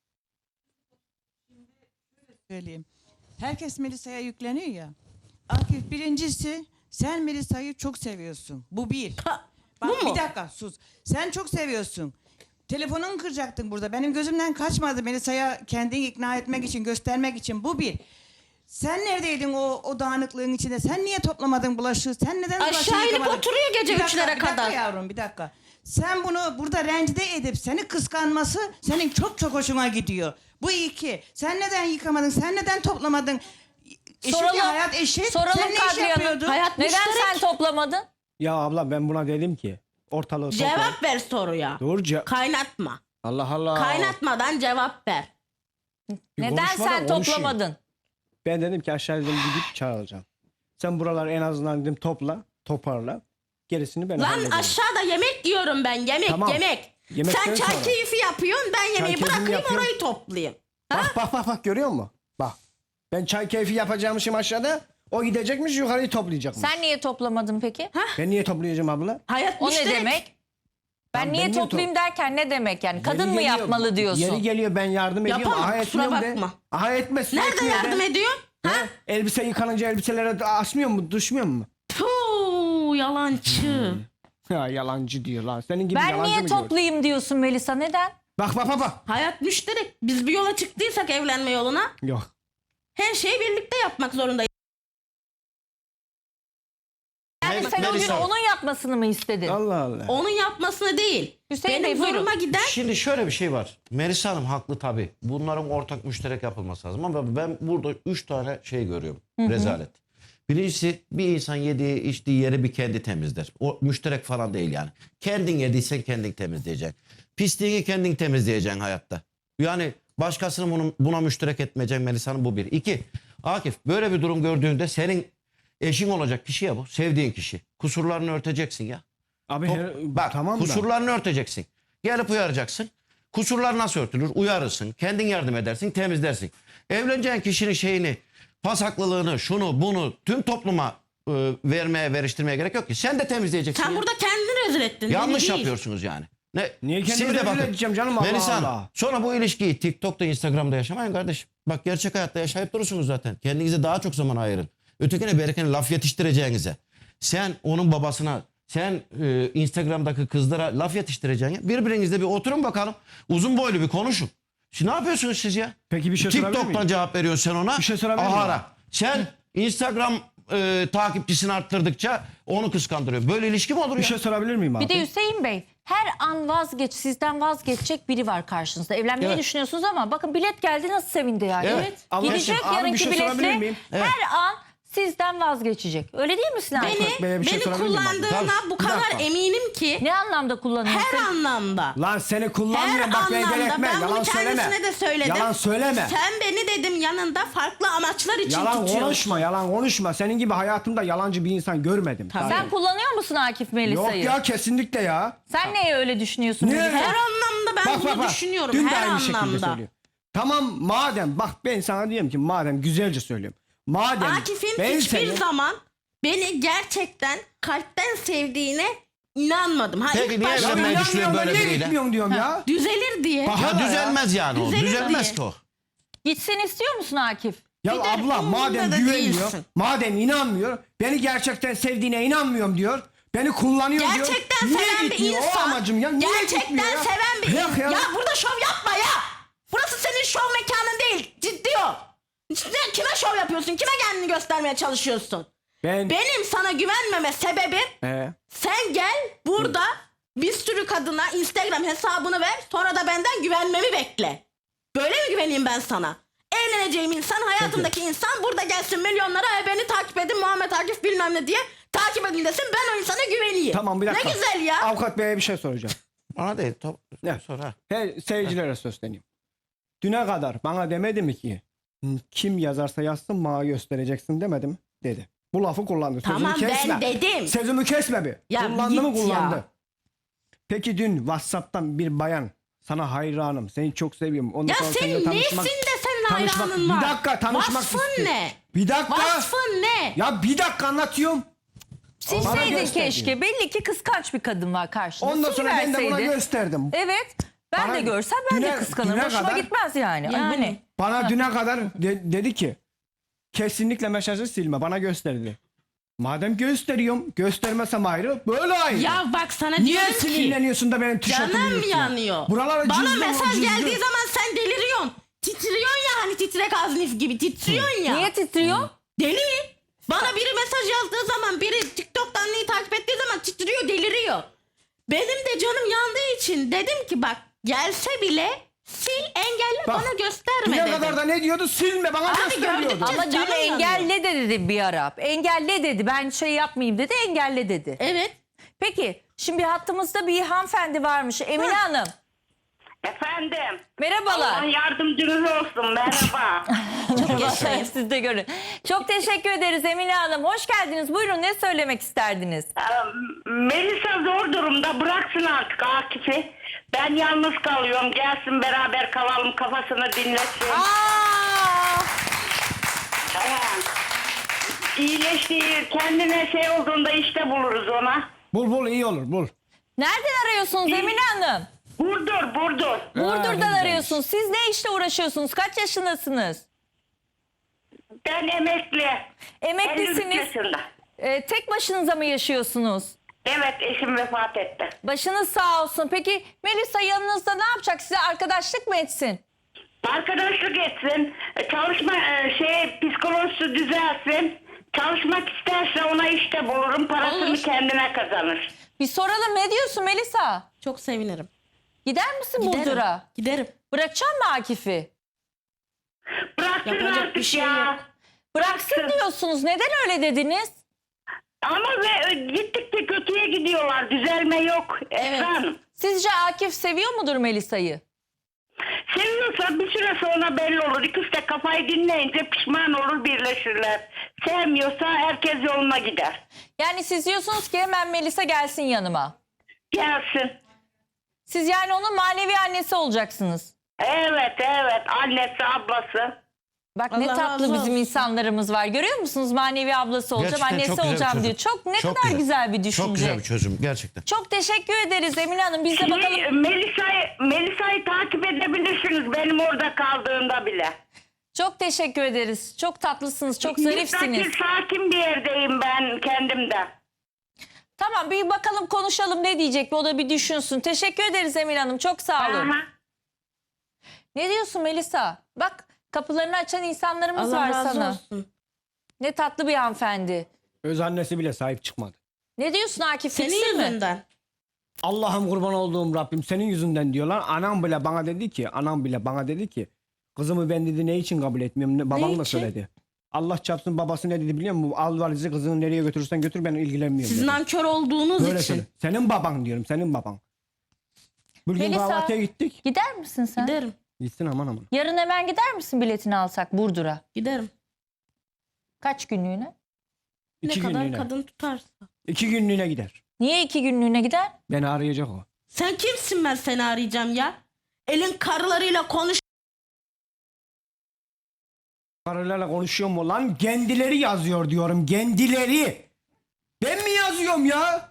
Speaker 6: Söyleyeyim. Herkes Melisa'ya yükleniyor ya. Akif, birincisi sen Melisa'yı çok seviyorsun. Bu bir.
Speaker 2: Ha,
Speaker 6: Bak
Speaker 2: bu mu?
Speaker 6: bir dakika sus. Sen çok seviyorsun. Telefonunu kıracaktın burada. Benim gözümden kaçmadı Melisa'ya kendini ikna etmek için, göstermek için. Bu bir. Sen neredeydin o dağınıklığın içinde? Sen niye toplamadın bulaşığı? Sen neden bulaşığı
Speaker 2: Aşağı inip
Speaker 6: yıkamadın?
Speaker 2: oturuyor gece
Speaker 6: Bir dakika,
Speaker 2: 3'lere
Speaker 6: bir dakika
Speaker 2: kadar.
Speaker 6: yavrum, bir dakika. Sen bunu burada rencide edip seni kıskanması senin çok çok hoşuna gidiyor. Bu iki. Sen neden yıkamadın? Sen neden toplamadın? Eşit
Speaker 1: Soralım.
Speaker 6: ya, hayat eşit.
Speaker 1: Soralım
Speaker 6: Sen ne iş
Speaker 1: Kadriye Hanım.
Speaker 6: yapıyordun?
Speaker 2: Hayat
Speaker 1: Neden
Speaker 2: müşterek.
Speaker 1: sen toplamadın?
Speaker 3: Ya abla, ben buna dedim ki ortalığı topla.
Speaker 2: Cevap ver soruya.
Speaker 3: Doğru
Speaker 2: Kaynatma.
Speaker 3: Allah Allah.
Speaker 2: Kaynatmadan cevap ver.
Speaker 3: Bir
Speaker 1: Neden
Speaker 3: konuşmadan
Speaker 1: sen
Speaker 3: konuşayım.
Speaker 1: toplamadın?
Speaker 3: Ben dedim ki aşağı dedim gidip çağıracağım. Sen buraları en azından dedim toparla. Gerisini ben
Speaker 2: Lan
Speaker 3: hallederim.
Speaker 2: aşağıda yemek yiyorum ben. Yemek
Speaker 3: Tamam.
Speaker 2: yemek.
Speaker 3: Yemekten
Speaker 2: Sen çay
Speaker 3: sonra.
Speaker 2: keyfi yapıyorsun. Ben yemeği
Speaker 3: keyfini
Speaker 2: bırakayım
Speaker 3: yapıyorum.
Speaker 2: orayı toplayayım.
Speaker 3: Bak görüyor musun? Bak. Ben çay keyfi yapacağımışım aşağıda. O gidecekmiş, yukarıyı toplayacakmış.
Speaker 1: Sen niye toplamadın peki?
Speaker 3: Ben niye toplayacağım abla?
Speaker 2: Hayat
Speaker 1: O ne
Speaker 2: müşterek.
Speaker 1: demek? Ben
Speaker 3: Tamam,
Speaker 1: niye
Speaker 3: ben niye
Speaker 1: toplayayım derken ne demek yani? Kadın
Speaker 3: Yeri
Speaker 1: mı
Speaker 3: geliyor,
Speaker 1: yapmalı diyorsun?
Speaker 3: Yeri geliyor, ben yardım ediyorum.
Speaker 2: Yapamam,
Speaker 3: Aha
Speaker 2: kusura
Speaker 3: etmiyorum de.
Speaker 2: bakma.
Speaker 3: Aha etmesin.
Speaker 2: Nerede
Speaker 3: etmiyor
Speaker 2: yardım
Speaker 3: de.
Speaker 2: ediyorsun? Ha?
Speaker 3: Elbise yıkanınca elbiselere asmıyor mu? Düşmüyor mu?
Speaker 2: Puh, yalancı.
Speaker 3: Ya yalancı diyor lan. Senin gibi
Speaker 1: Ben
Speaker 3: yalancı
Speaker 1: niye
Speaker 3: mı diyor?
Speaker 1: toplayayım diyorsun Melisa? Neden?
Speaker 3: Bak.
Speaker 2: Hayat müşterek. Biz bir yola çıktıysak evlenme yoluna
Speaker 3: Yok.
Speaker 2: her şeyi birlikte yapmak zorundayız.
Speaker 1: Yani sen o gün onun yapmasını mı istedin?
Speaker 3: Allah Allah.
Speaker 2: Onun yapmasını değil.
Speaker 1: Hüseyin
Speaker 2: Benim
Speaker 1: Bey, buyurun.
Speaker 2: zoruma giden
Speaker 7: Şimdi şöyle bir şey var. Melisa Hanım haklı tabii. Bunların ortak müşterek yapılması lazım. Ama ben burada 3 tane şey görüyorum. Rezalet. Birincisi, bir insan yediği içtiği yeri bir kendi temizler. O müşterek falan değil yani. Kendin yediysen kendin temizleyeceksin. Pisliğini kendin temizleyeceksin hayatta. Yani başkasını buna müşterek etmeyeceksin Melisa Hanım, bu bir. 2. Akif, böyle bir durum gördüğünde senin eşin olacak kişi ya bu. Sevdiğin kişi. Kusurlarını örteceksin ya.
Speaker 3: Abi
Speaker 7: Bak,
Speaker 3: tamam da.
Speaker 7: kusurlarını örteceksin. Gelip uyaracaksın. Kusurlar nasıl örtülür? Uyarırsın. Kendin yardım edersin, temizlersin. Evleneceğin kişinin şeyini, pasaklılığını, şunu, bunu tüm topluma veriştirmeye gerek yok ki. Sen de temizleyeceksin.
Speaker 2: sen
Speaker 7: ya.
Speaker 2: burada kendini rezil ettin.
Speaker 7: Yanlış
Speaker 2: beni değil.
Speaker 7: yapıyorsunuz yani.
Speaker 3: Niye kendimi
Speaker 7: Siz de
Speaker 3: rezil
Speaker 7: bakın.
Speaker 3: edeceğim canım, Allah
Speaker 7: Melisa Hanım,
Speaker 3: Allah.
Speaker 7: sonra bu ilişkiyi TikTok'ta, Instagram'da yaşamayın kardeşim. Bak, gerçek hayatta yaşayıp durursunuz zaten. Kendinize daha çok zaman ayırın. Ötekine berekene laf yetiştireceğinize. Sen onun babasına, sen Instagram'daki kızlara laf yetiştireceğine birbirinizle bir oturun bakalım. Uzun boylu bir konuşun. Şimdi ne yapıyorsunuz siz ya?
Speaker 3: Peki bir şey sorabilir
Speaker 7: TikTok'tan
Speaker 3: miyim?
Speaker 7: cevap veriyorsun sen ona.
Speaker 3: Bir şey sorabilir miyim?
Speaker 7: Ahara. Sen Instagram takipçisini arttırdıkça onu kıskandırıyor. Böyle ilişki mi olur
Speaker 3: Bir
Speaker 7: ya?
Speaker 3: şey sorabilir miyim abi?
Speaker 1: Bir de Hüseyin Bey, her an sizden vazgeçecek biri var karşınızda. Evlenmeyi
Speaker 7: Evet.
Speaker 1: düşünüyorsunuz ama bakın bilet geldi, nasıl sevindi yani.
Speaker 7: Evet.
Speaker 3: Ama
Speaker 1: Gidecek
Speaker 3: abi bir
Speaker 1: yarınki
Speaker 3: şey sorabilir
Speaker 1: biletle
Speaker 3: miyim?
Speaker 1: her an sizden vazgeçecek. Öyle değil mi Sinan?
Speaker 3: Bey'e bir şey
Speaker 2: Beni
Speaker 3: sorabilir miyim abi?
Speaker 2: kullandığına
Speaker 7: Tabii.
Speaker 2: bu
Speaker 3: Bir
Speaker 2: kadar
Speaker 3: dakika.
Speaker 2: eminim ki.
Speaker 1: Ne anlamda kullanıyorsun?
Speaker 2: Her anlamda.
Speaker 3: Lan seni
Speaker 2: Her
Speaker 3: kullanmıyorum bak beni
Speaker 2: anlamda.
Speaker 3: delirtme.
Speaker 2: Ben bunu
Speaker 3: Yalan söyleme.
Speaker 2: kendisine de söyledim.
Speaker 3: Yalan söyleme.
Speaker 2: Sen beni dedim yanında farklı amaçlar için
Speaker 3: Yalan
Speaker 2: tutuyorsun.
Speaker 3: konuşma, yalan konuşma. Senin gibi hayatımda yalancı bir insan görmedim.
Speaker 2: Tabii.
Speaker 1: Sen kullanıyor musun Akif Melisa'yı?
Speaker 3: Yok ya kesinlikle ya.
Speaker 1: Sen neye öyle düşünüyorsun?
Speaker 3: Niye?
Speaker 1: Melisa?
Speaker 2: Her anlamda ben bunu düşünüyorum.
Speaker 3: Dün de
Speaker 2: Her
Speaker 3: aynı şekilde
Speaker 2: anlamda.
Speaker 3: söylüyorum. Tamam madem bak ben sana diyorum ki madem güzelce söylüyorum. Madem
Speaker 2: Akif'in
Speaker 3: ben
Speaker 2: hiçbir
Speaker 3: seni-
Speaker 2: zaman beni gerçekten kalpten sevdiğine inanmadım. Ha,
Speaker 7: Peki
Speaker 2: ilk
Speaker 7: niye
Speaker 2: başta
Speaker 7: evlenmeye
Speaker 3: İnanmıyorum
Speaker 7: düşünüyor
Speaker 3: da
Speaker 7: böyle
Speaker 3: niye
Speaker 7: biriyle?
Speaker 3: gitmiyorsun diyorum ya.
Speaker 2: düzelir diye.
Speaker 3: Bak-
Speaker 7: Ya
Speaker 3: Hala ya.
Speaker 7: düzelmez yani o.
Speaker 2: Düzelir
Speaker 7: Düzelmez
Speaker 2: diye.
Speaker 7: ki o.
Speaker 1: Gitsin istiyor musun Akif?
Speaker 3: Ya
Speaker 2: Bir de
Speaker 3: abla
Speaker 2: umurumda
Speaker 3: madem
Speaker 2: da
Speaker 3: güvenmiyor,
Speaker 2: değilsin.
Speaker 3: madem inanmıyor, beni gerçekten sevdiğine inanmıyorum diyor. Beni kullanıyor diyor.
Speaker 2: Gerçekten
Speaker 3: Niye
Speaker 2: seven bir
Speaker 3: gitmiyor? O
Speaker 2: insan.
Speaker 3: amacım ya. Niye
Speaker 2: Gerçekten
Speaker 3: gitmiyor ya?
Speaker 2: seven bir
Speaker 3: Bırak
Speaker 2: insan.
Speaker 3: ya.
Speaker 2: Ya burada şov yapma ya. Burası senin şov mekanın değil. Ciddi ol. Sen kime şov yapıyorsun? Kime kendini göstermeye çalışıyorsun?
Speaker 3: Ben...
Speaker 2: Benim sana güvenmeme sebebim sen gel burada bir sürü kadına Instagram hesabını ver, sonra da benden güvenmemi bekle. Böyle mi güveneyim ben sana? Evleneceğim insan, hayatımdaki insan burada gelsin milyonlara beni takip edin Muhammed Akif bilmem ne diye takip edin desin, ben o insana güveneyim.
Speaker 3: Tamam bir dakika.
Speaker 2: Ne güzel ya.
Speaker 3: Avukat Bey'e bir şey soracağım.
Speaker 7: Bana değil.
Speaker 3: Ne?
Speaker 7: Sonra.
Speaker 3: Seyircilere sözleneyim. Düne kadar bana demedi mi ki kim yazarsa yazsın bana göstereceksin demedi mi? Dedi. Bu lafı kullandı. Sözümü
Speaker 2: Tamam, ben
Speaker 3: kesme.
Speaker 2: dedim.
Speaker 3: Sözümü kesme bir.
Speaker 2: Ya
Speaker 3: Kullandı mı
Speaker 2: git
Speaker 3: kullandı.
Speaker 2: ya.
Speaker 3: Peki dün WhatsApp'tan bir bayan sana hayranım, seni çok seviyorum. Ondan
Speaker 2: Ya
Speaker 3: sonra seninle
Speaker 2: senin nesin
Speaker 3: tanışmak-
Speaker 2: de senin
Speaker 3: tanışmak-
Speaker 2: hayranın var?
Speaker 3: Bir dakika tanışmak
Speaker 2: Vasfın
Speaker 3: istiyorum.
Speaker 2: ne?
Speaker 3: Bir dakika.
Speaker 2: Vasfın ne?
Speaker 3: Ya bir dakika anlatıyorum. Bana
Speaker 1: Silseydin
Speaker 3: gösterdi.
Speaker 1: keşke. Belli ki kıskanç bir kadın var karşında.
Speaker 3: Ondan sonra ben de buna
Speaker 1: Siliverseydin.
Speaker 3: gösterdim.
Speaker 1: Evet. Ben
Speaker 3: Bana
Speaker 1: de görsem ben de
Speaker 3: düne-
Speaker 1: kıskanırım.
Speaker 3: düne
Speaker 1: Hoşuma
Speaker 3: kadar-
Speaker 1: gitmez yani. Ay bu
Speaker 2: Yani.
Speaker 1: ne?
Speaker 3: Bana düne kadar dedi ki kesinlikle mesajı silme. Bana gösterdi. Madem gösteriyorum, göstermesem ayrı, böyle ayrı.
Speaker 2: Ya bak sana
Speaker 3: Niye
Speaker 2: diyorum ki
Speaker 3: sinirleniyorsun da benim tişörtümü
Speaker 2: canım
Speaker 3: yırtıyorsun?
Speaker 2: yanıyor.
Speaker 3: Buralara
Speaker 2: Bana
Speaker 3: cızdım,
Speaker 2: mesaj
Speaker 3: cızdım.
Speaker 2: geldiği zaman sen deliriyorsun. Titriyorsun ya hani titrek aznif gibi titriyorsun ya.
Speaker 1: Niye titriyor?
Speaker 2: Deli. Bana biri mesaj yazdığı zaman, biri TikTok'tan neyi takip ettiği zaman titriyor, deliriyor. Benim de canım yandığı için dedim ki bak gelse bile sil, engelle,
Speaker 3: Bak,
Speaker 2: bana gösterme
Speaker 3: düne
Speaker 2: dedim.
Speaker 3: kadar da ne diyordu? Silme, bana
Speaker 2: Abi
Speaker 3: gösteriyordu.
Speaker 2: gördük.
Speaker 1: Ama dün
Speaker 2: Canım yanıyor.
Speaker 1: engelle de dedi bir ara. Engelle dedi. Ben şey yapmayayım dedi. Engelle dedi.
Speaker 2: Evet.
Speaker 1: Peki şimdi hattımızda bir hanımefendi varmış. Emine Hanım.
Speaker 8: Efendim.
Speaker 1: Merhabalar.
Speaker 8: Allah yardımcınız olsun. Merhaba.
Speaker 1: Vallahi siz de görün. Çok teşekkür ederiz Emine Hanım. Hoş geldiniz. Buyurun, ne söylemek isterdiniz?
Speaker 8: Melisa zor durumda. Bıraksın artık Akif'i. Ben yalnız kalıyorum. Gelsin beraber kalalım. Kafasını dinlesin. İyileştiği, kendine şey olduğunda işte buluruz ona.
Speaker 3: Bul iyi olur, bul.
Speaker 1: Nereden arıyorsunuz Emine Hanım?
Speaker 8: Burdur.
Speaker 1: Burdur'dan
Speaker 3: güzelmiş.
Speaker 1: arıyorsunuz. Siz ne işle uğraşıyorsunuz? Kaç yaşındasınız?
Speaker 8: Ben emekli. 53
Speaker 1: Emeklisiniz.
Speaker 8: yaşında.
Speaker 1: Tek başınıza mı yaşıyorsunuz?
Speaker 8: Evet, eşim vefat etti.
Speaker 1: Başınız sağ olsun. Peki Melisa yanınızda ne yapacak? Size arkadaşlık mı etsin?
Speaker 8: Arkadaşlık etsin, çalışma psikolojisi düzelsin. Çalışmak isterse ona işte bulurum, parasını
Speaker 2: Olur.
Speaker 8: kendine kazanır.
Speaker 1: Bir soralım, ne diyorsun Melisa?
Speaker 2: Çok sevinirim.
Speaker 1: Gider misin
Speaker 2: Giderim.
Speaker 1: Burdur'a?
Speaker 2: Giderim.
Speaker 1: Bırakacak mı Akif'i?
Speaker 8: Bıraksın
Speaker 2: Yapacak
Speaker 8: artık
Speaker 2: bir şey
Speaker 8: ya.
Speaker 2: yok.
Speaker 1: Bıraksın diyorsunuz. Neden öyle dediniz?
Speaker 8: Ama gittikçe kötüye gidiyorlar, düzelme yok. Efendim,
Speaker 1: Sizce Akif seviyor mudur Melisa'yı?
Speaker 8: seviyorsa bir süre sonra belli olur. İkisi de kafayı dinleyince pişman olur, birleşirler. Sevmiyorsa herkes yoluna gider.
Speaker 1: Yani siz diyorsunuz ki hemen Melisa gelsin yanıma.
Speaker 8: Gelsin.
Speaker 1: Siz yani onun manevi annesi olacaksınız.
Speaker 8: Evet, annesi, ablası.
Speaker 1: Bak
Speaker 2: Allah
Speaker 1: ne tatlı
Speaker 2: razı
Speaker 1: bizim
Speaker 2: olsun.
Speaker 1: insanlarımız var. Görüyor musunuz? Manevi ablası olacağım,
Speaker 7: Gerçekten
Speaker 1: annesi
Speaker 7: çok güzel bir
Speaker 1: olacağım
Speaker 7: çözüm.
Speaker 1: diyor. Çok ne
Speaker 7: Çok
Speaker 1: kadar güzel bir düşünce.
Speaker 7: Çok güzel bir çözüm gerçekten.
Speaker 1: Çok teşekkür ederiz Emine Hanım. Biz de bakalım.
Speaker 8: Melisa'yı takip edebilirsiniz benim orada kaldığımda bile.
Speaker 1: Çok teşekkür ederiz. Çok tatlısınız, çok zarifsiniz.
Speaker 8: Sakin bir yerdeyim ben kendimde.
Speaker 1: Tamam, bir bakalım, konuşalım, ne diyecek, o da bir düşünsün. Teşekkür ederiz Emine Hanım. Çok sağ olun.
Speaker 8: Aha.
Speaker 1: Ne diyorsun Melisa? Bak, kapılarını açan insanlarımız
Speaker 2: Allah
Speaker 1: var
Speaker 2: razı
Speaker 1: sana.
Speaker 2: olsun.
Speaker 1: Ne tatlı bir hanımefendi.
Speaker 3: Öz annesi bile sahip çıkmadı.
Speaker 1: Ne diyorsun Akif?
Speaker 2: Senin
Speaker 1: Fitsin mi?
Speaker 2: yüzünden.
Speaker 3: Allah'ım kurban olduğum Rabbim senin yüzünden diyorlar. Anam bile bana dedi ki kızımı ben dedi ne için kabul etmiyorum. Babam da
Speaker 2: için?
Speaker 3: söyledi. Allah çarpsın babası ne dedi biliyor musun? Al valizi kızını nereye götürürsen götür ben ilgilenmiyorum.
Speaker 2: Siz
Speaker 3: dedi.
Speaker 2: nankör olduğunuz
Speaker 3: Böyle
Speaker 2: için.
Speaker 3: söyle. Senin baban diyorum senin baban. Bugün
Speaker 1: Melisa-
Speaker 3: kahvaltıya gittik.
Speaker 1: Gider misin sen?
Speaker 2: Giderim.
Speaker 3: Gitsin aman.
Speaker 1: Yarın hemen gider misin biletini alsak Burdur'a?
Speaker 2: Giderim.
Speaker 1: Kaç günlüğüne?
Speaker 2: Ne
Speaker 3: 2
Speaker 2: kadar
Speaker 3: günlüğüne.
Speaker 2: kadın tutarsa.
Speaker 3: 2 günlüğüne gider.
Speaker 1: Niye 2 günlüğüne gider?
Speaker 3: Beni arayacak o.
Speaker 2: Sen kimsin ben seni arayacağım ya? Elin karılarıyla konuş.
Speaker 3: Karılarla konuşuyor mu lan? Kendileri yazıyor diyorum. Kendileri. Ben mi yazıyorum ya?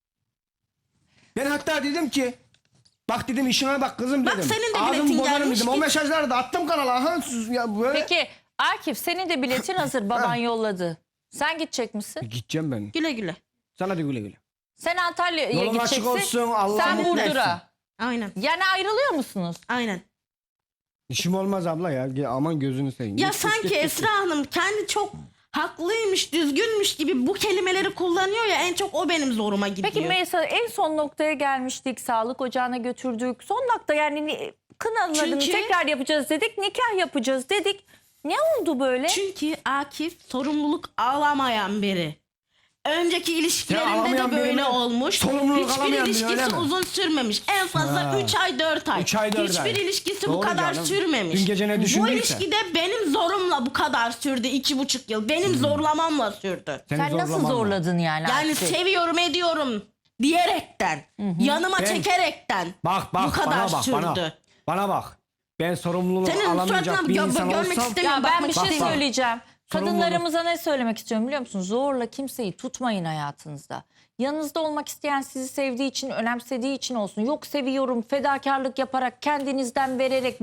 Speaker 3: Ben hatta dedim ki bak dedim işine bak kızım
Speaker 2: Bak
Speaker 3: dedim.
Speaker 2: senin de
Speaker 3: Ağzımı
Speaker 2: biletin
Speaker 3: bozarım
Speaker 2: gelmiş
Speaker 3: dedim. O
Speaker 2: ki-
Speaker 3: mesajları da attım kanala. Aha, sus ya böyle.
Speaker 1: Peki Akif senin de biletin hazır baban yolladı. Sen gidecek misin?
Speaker 3: Gideceğim ben.
Speaker 2: Güle güle.
Speaker 3: Sana da güle güle.
Speaker 1: Sen Antalya'ya
Speaker 3: Yolun açık
Speaker 1: gideceksin.
Speaker 3: olsun, Allah
Speaker 1: Sen
Speaker 3: mutlu etsin.
Speaker 1: Burdur'a.
Speaker 2: Aynen.
Speaker 1: Yani ayrılıyor musunuz?
Speaker 2: Aynen.
Speaker 3: İşim olmaz abla ya. Aman gözünü seveyim.
Speaker 2: Ya
Speaker 3: Git, git,
Speaker 2: sanki
Speaker 3: git, git.
Speaker 2: Esra Hanım kendi çok haklıymış, düzgünmüş gibi bu kelimeleri kullanıyor ya, en çok o benim zoruma gidiyor.
Speaker 1: Peki Melisa en son noktaya gelmiştik. Sağlık ocağına götürdük. Son nokta yani kınalarını
Speaker 2: Çünkü-
Speaker 1: tekrar yapacağız dedik. Nikah yapacağız dedik. Ne oldu böyle?
Speaker 2: Çünkü Akif sorumluluk alamayan biri. Önceki ilişkilerinde
Speaker 3: alamayan
Speaker 2: de
Speaker 3: biri
Speaker 2: böyle
Speaker 3: mi?
Speaker 2: olmuş.
Speaker 3: Sorumluluk
Speaker 2: Hiçbir
Speaker 3: alamayan biri, öyle
Speaker 2: ilişkisi
Speaker 3: mi?
Speaker 2: uzun sürmemiş. En fazla 3 ay 4 ay.
Speaker 3: 3 ay, 4 ay.
Speaker 2: Hiçbir ilişkisi bu
Speaker 3: Doğru
Speaker 2: kadar
Speaker 3: canım.
Speaker 2: sürmemiş.
Speaker 3: Dün gece ne
Speaker 2: Bu
Speaker 3: düşündüyse.
Speaker 2: ilişkide benim zorumla bu kadar sürdü 2,5 yıl. Benim zorlamamla sürdü.
Speaker 3: Seni
Speaker 1: Sen nasıl
Speaker 3: zorlamam ben.
Speaker 1: zorladın yani?
Speaker 2: Yani
Speaker 1: Akif'i?
Speaker 2: seviyorum ediyorum diyerekten. Yanıma
Speaker 3: Ben-
Speaker 2: çekerekten.
Speaker 3: Bak
Speaker 2: bu kadar
Speaker 3: bana bak
Speaker 2: sürdü.
Speaker 3: bana bak. Ben sorumluluğu
Speaker 2: Senin
Speaker 3: alamayacak
Speaker 2: suratına
Speaker 3: bir insan
Speaker 2: görmek
Speaker 3: olsam
Speaker 2: istemiyorum.
Speaker 1: Ya ben
Speaker 2: bakmak
Speaker 1: bir şey
Speaker 2: istemiyorum.
Speaker 1: söyleyeceğim.
Speaker 3: Sorumluluk.
Speaker 1: Kadınlarımıza ne söylemek istiyorum biliyor musunuz? Zorla kimseyi tutmayın hayatınızda. Yanınızda olmak isteyen sizi sevdiği için, önemsediği için olsun. Yok seviyorum, fedakarlık yaparak, kendinizden vererek,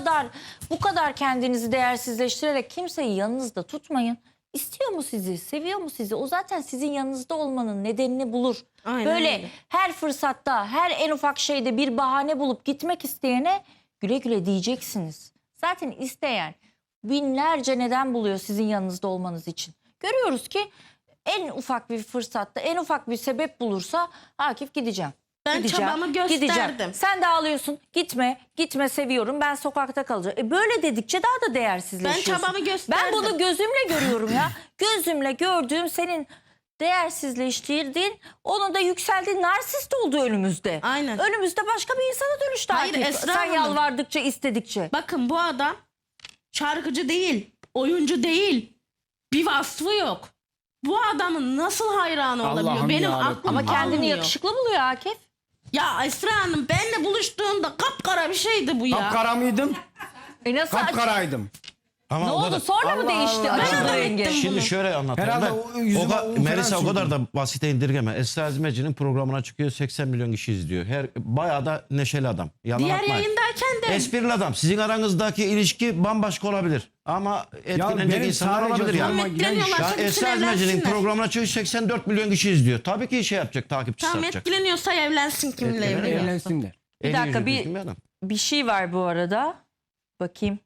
Speaker 1: bu kadar kendinizi değersizleştirerek kimseyi yanınızda tutmayın. İstiyor mu sizi, seviyor mu sizi? O zaten sizin yanınızda olmanın nedenini bulur.
Speaker 2: Aynen
Speaker 1: Böyle
Speaker 2: öyle.
Speaker 1: her fırsatta, her en ufak şeyde bir bahane bulup gitmek isteyene güle güle diyeceksiniz. Zaten isteyen binlerce neden buluyor sizin yanınızda olmanız için. Görüyoruz ki en ufak bir fırsatta, en ufak bir sebep bulursa Akif gideceğim.
Speaker 2: Ben çabamı gösterdim.
Speaker 1: Sen de ağlıyorsun. Gitme seviyorum. Ben sokakta kalacağım. Böyle dedikçe daha da değersizleşiyorsun.
Speaker 2: Ben çabamı
Speaker 1: Ben
Speaker 2: gösterdim.
Speaker 1: bunu gözümle görüyorum ya. Gözümle gördüğüm senin değersizleştirdiğin, onun da yükseldiği narsist oldu önümüzde.
Speaker 2: Aynen.
Speaker 1: Önümüzde başka bir insana dönüştü
Speaker 2: Hayır,
Speaker 1: Akif.
Speaker 2: Esra
Speaker 1: Sen
Speaker 2: Hanım.
Speaker 1: yalvardıkça, istedikçe.
Speaker 2: Bakın bu adam şarkıcı değil, oyuncu değil. Bir vasfı yok. Bu adamın nasıl hayranı olabiliyor?
Speaker 3: Allah'ım
Speaker 2: Benim
Speaker 3: yarabbim.
Speaker 2: aklım
Speaker 1: Ama kendini
Speaker 2: almıyor.
Speaker 1: yakışıklı buluyor Akif.
Speaker 2: Ya Esra Hanım benle buluştuğunda kapkara bir şeydi bu ya.
Speaker 3: kapkara mıydım?
Speaker 1: Nasıl
Speaker 3: Kapkaraydım.
Speaker 7: Ama
Speaker 1: Ne
Speaker 7: o
Speaker 1: oldu?
Speaker 7: kadar-
Speaker 1: Sonra mı
Speaker 3: Allah
Speaker 1: değişti?
Speaker 3: Allah.
Speaker 1: Açıldı
Speaker 2: Ben
Speaker 1: rengi.
Speaker 2: adam
Speaker 7: Şimdi şöyle anlatayım
Speaker 3: Herhalde
Speaker 7: ben.
Speaker 3: o yüzüme un falan
Speaker 7: Melisa o kadar
Speaker 3: sürdüm.
Speaker 7: da basite indirgeme. Esra Ezmeci'nin programına çıkıyor, 80 milyon kişi izliyor. Bayağı da neşeli adam. Yalan
Speaker 2: Diğer
Speaker 7: atmayın.
Speaker 2: yayındayken de
Speaker 7: Esprili adam. Sizin aranızdaki ilişki bambaşka olabilir. Ama etkilenecek
Speaker 3: benim
Speaker 7: insanlar
Speaker 3: sadece
Speaker 7: olabilir yani.
Speaker 3: zoruma giden
Speaker 2: etkileniyorlar.
Speaker 7: Ya
Speaker 2: Gitsin
Speaker 7: Esra Ezmeci'nin
Speaker 2: evlensinler.
Speaker 7: programına çıkıyor, 84 milyon kişi izliyor. Tabii ki şey yapacak, takipçisi
Speaker 2: tam
Speaker 7: artacak.
Speaker 2: etkileniyorsa evlensin kiminle
Speaker 7: Etkileniyor.
Speaker 2: evleniyorsa.
Speaker 3: Evlensinler.
Speaker 1: Bir
Speaker 7: Eli
Speaker 1: dakika,
Speaker 7: yüzü
Speaker 1: bir-
Speaker 7: düzgün adam.
Speaker 1: Bir şey var bu arada. Bakayım.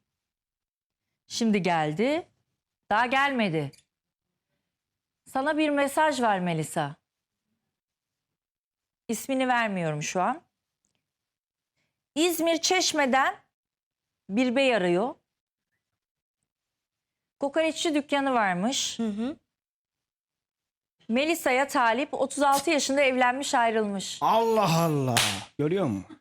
Speaker 1: Şimdi geldi. Daha gelmedi. Sana bir mesaj var Melisa. İsmini vermiyorum şu an. İzmir Çeşme'den bir bey arıyor. Kokoreççi dükkanı varmış.
Speaker 2: Hı hı.
Speaker 1: Melisa'ya talip, 36 yaşında evlenmiş, ayrılmış.
Speaker 3: Allah Allah. Görüyor musun?